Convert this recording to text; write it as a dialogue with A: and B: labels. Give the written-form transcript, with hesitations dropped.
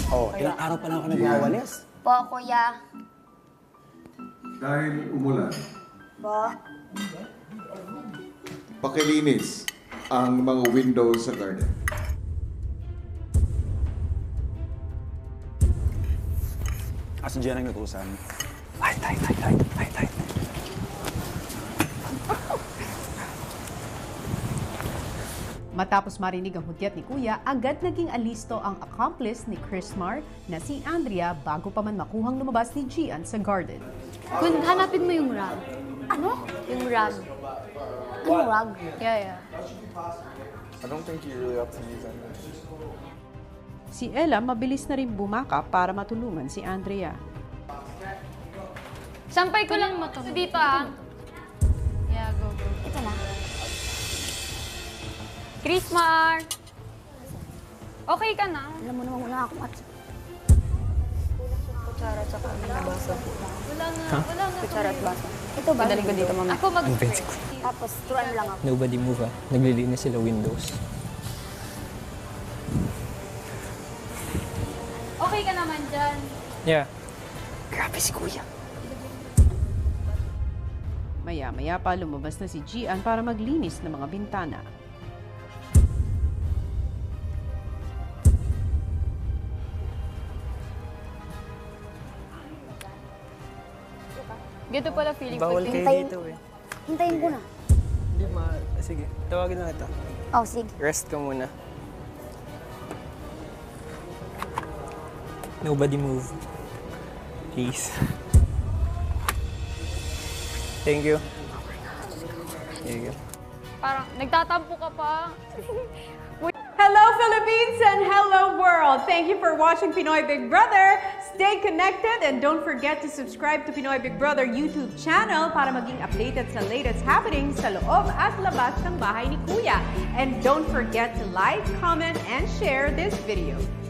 A: Oh, ilang araw pa lang ako nagwawalis.
B: Po, kuya.
C: Dahil umulan,
B: Po.
C: pakilinis ang mga windows sa garden.
A: Si Jen ang natusan. Ay.
D: Matapos marinig ang hudyat ni Kuya, agad naging alisto ang accomplice ni Chrismar na si Andrea bago pa man makuhang lumabas ni Gian sa garden.
B: Kun, hanapin mo yung rug. Ano? Yung rug. Yung rug? Yeah.
E: I don't think you're really up to these items.
D: Si Ella mabilis na rin bumaka para matulungan si Andrea.
B: Sampay ko lang dito ah. Yeah, go. Ito na. Chrismar! Okay ka na? Alam mo naman muna ako at... Kutsara at saka nabasa. Wala nga. Kutsara at basa. Ito ba? Padaling ko dito, mama. Ako Tapos, turuan lang ako.
F: Nobody move ah. Naglilinis sila windows.
B: Okay ka naman dyan.
F: Yeah. Grabe si Kuya.
D: Maya-maya pa lumabas na si Gian para maglinis ng mga bintana.
B: Ganito pala feeling
F: Bawal
B: ko.
F: kayo dito eh.
B: Hintayin ko na.
F: Hindi sige, tawagin na kita.
B: Oh, sige.
F: Rest ka muna. Nobody move. Please. Thank you. There you go.
B: Parang nagtatampo ka pa.
D: Hello Philippines and hello world! Thank you for watching Pinoy Big Brother. Stay connected and don't forget to subscribe to Pinoy Big Brother YouTube channel para maging updated sa latest happenings sa loob at labas ng bahay ni Kuya. And don't forget to like, comment, and share this video.